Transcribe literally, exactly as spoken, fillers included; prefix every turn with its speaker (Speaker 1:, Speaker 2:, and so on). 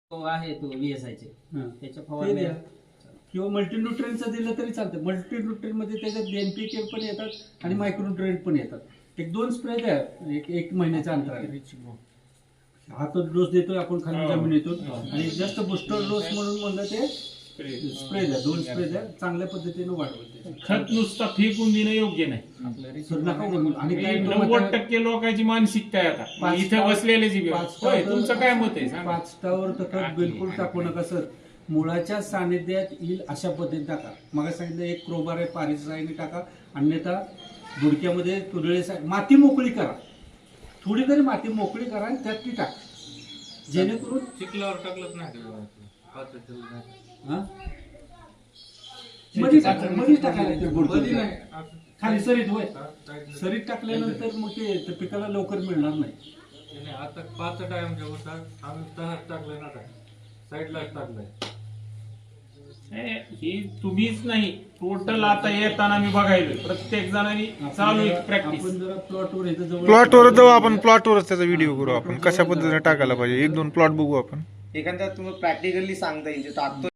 Speaker 1: तो आहे तो व्हीएसआयचे
Speaker 2: हां.
Speaker 1: त्याच्या
Speaker 2: ते
Speaker 1: फवारण्या
Speaker 2: द्या. किंवा मल्टीन्यूट्रिएंटचं दिलं तरी चालतं. मल्टीन्यूट्रिएंट मध्ये त्याच्यात एनपीके पण येतात आणि मायक्रोन्यूट्रिएंट पण येतात. एक दोन स्प्रे द्या एक एक महिन्याच्या अंतराने. हा तो डोस देतोय आपण खाली जमिनीतून आणि जास्त बुस्टर डोस म्हणून म्हणलं ते स्प्रे द्या. दोन स्प्रे द्या, चांगल्या पद्धतीने वाढवते.
Speaker 3: खत नुसता फेकून देणं योग्य नाही.
Speaker 2: सर नका बोलू. आणि काय तो
Speaker 3: नव्वद
Speaker 2: म्हणता-
Speaker 3: टक्के लोकांची मानसिकता आहे आता
Speaker 2: पाच
Speaker 3: इथे
Speaker 2: टावर-
Speaker 3: बसलेले जी
Speaker 2: पाच
Speaker 3: होय
Speaker 2: टावर-
Speaker 3: तुमचं काय मत आहे सांगा.
Speaker 2: पाच टावर तर खत बिलकुल टाकू नका सर. मुळाच्या सानिध्यात येईल अशा पद्धतीने टाका. मग सांगितलं एक क्रोबार आहे पारिसाईने टाका, अन्यथा बुडक्यामध्ये तुरळे माती मोकळी करा. थोडी तरी माती मोकळी करा आणि त्यात ती टाका, जेणेकरून
Speaker 4: चिखलावर टाकलंच नाही
Speaker 2: हा? मध्ये टाका- मध्येच टाकायला लागते बुडकं. खाली सरीत होय. सरीत टाकल्यानंतर मग ते ते पिकाला लवकर मिळणार नाही.
Speaker 4: आता पाच टाइम जे होतात आम्ही तहाच टाकलंय ना साईडलाच टाकलंय.
Speaker 3: हे ही तुम्हीच नाही टोटल आता येताना मी बघायलो प्रत्येक जणांनी चालू आहे प्रॅक्टिस.
Speaker 2: आपण जरा प्लॉटवर इथं जवळ
Speaker 5: प्लॉटवर जाऊ आपण, प्लॉटवरच त्याचा व्हिडिओ करू आपण कशा पद्धतीने टाकायला पाहिजे. एक दोन प्लॉट बघू आपण.
Speaker 6: एखाद्या तुम्ही प्रॅक्टिकली सांगता येईल जे टाकतो